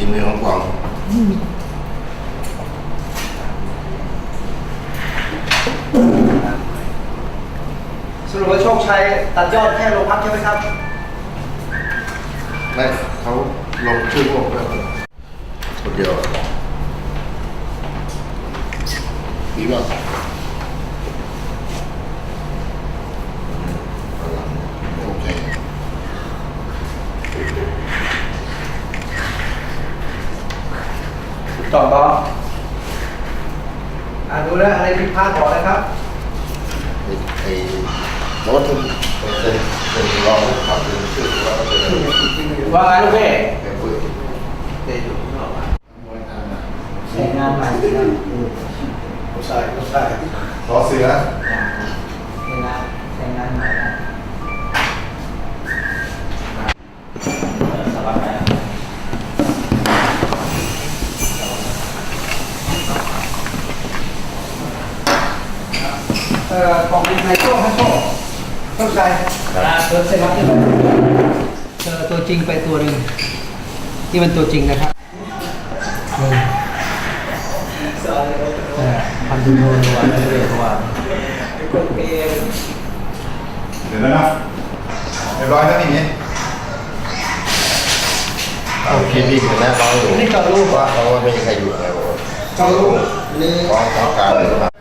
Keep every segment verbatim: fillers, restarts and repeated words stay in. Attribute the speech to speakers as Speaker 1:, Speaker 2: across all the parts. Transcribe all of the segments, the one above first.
Speaker 1: ฝีมือของกวาง
Speaker 2: สรุปว่าโชคชัยตัดยอดแค่โรงพักใช่ไหมครับ
Speaker 1: ไม่เขาลงชื่อพวกแล้วคนเดียวดีมากโอเค
Speaker 2: ต่อต่ออ่าดูแลอะไรผิดพลาดบอกเลยครับ
Speaker 1: ไอ้ไอ้รถทุนเป็นเป็นรองขับเป็นชื่อว่าเขาเป็น
Speaker 2: ว่าไงลูกเพ่
Speaker 1: เป็นผู้
Speaker 2: เตะอยู่ข้างนอกอ่ะ
Speaker 3: ใช้งานใหม่นะ
Speaker 1: ผู้ชายผู้ชายขอเสือ
Speaker 3: ใช้งานใช้งานใหม่นะ
Speaker 2: สบายไหมเอ่อของในโชคให้โชคโชคชัยเจอเซรั่มที่ไหนเจอตัวจริงไปตัวหนึ่งนี่มันตัวจริงนะครับหนึ่งเออพันธุ์โทนวันนี้เรียกว่า
Speaker 1: เดี๋ยวนะเรียบร้อยแล้วนี่นี่เอาพี่พี่คนแรกเขาอยู่
Speaker 2: นี่จอดรูป
Speaker 1: ว่าเขาไม่มีใครอยู่อะไรบอก
Speaker 2: จอดรูปนี่
Speaker 1: ฟ้องฟ้องการเลยนะ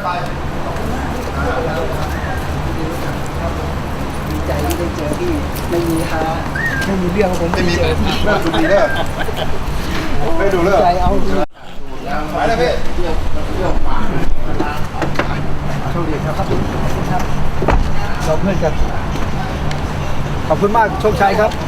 Speaker 3: ดีใจที่ได้เจอพี่ไม่มีฮาไม่มีเรื่องผม
Speaker 1: ไม่มี
Speaker 3: เจอพี่
Speaker 1: เลิกดูดีเลิกไม่ดูเลิก
Speaker 3: ใจเอา
Speaker 1: ไปแล้วพี่
Speaker 3: โชคดีครับครับเราเพื่อนกันขอบคุณมากโชคชัยครับ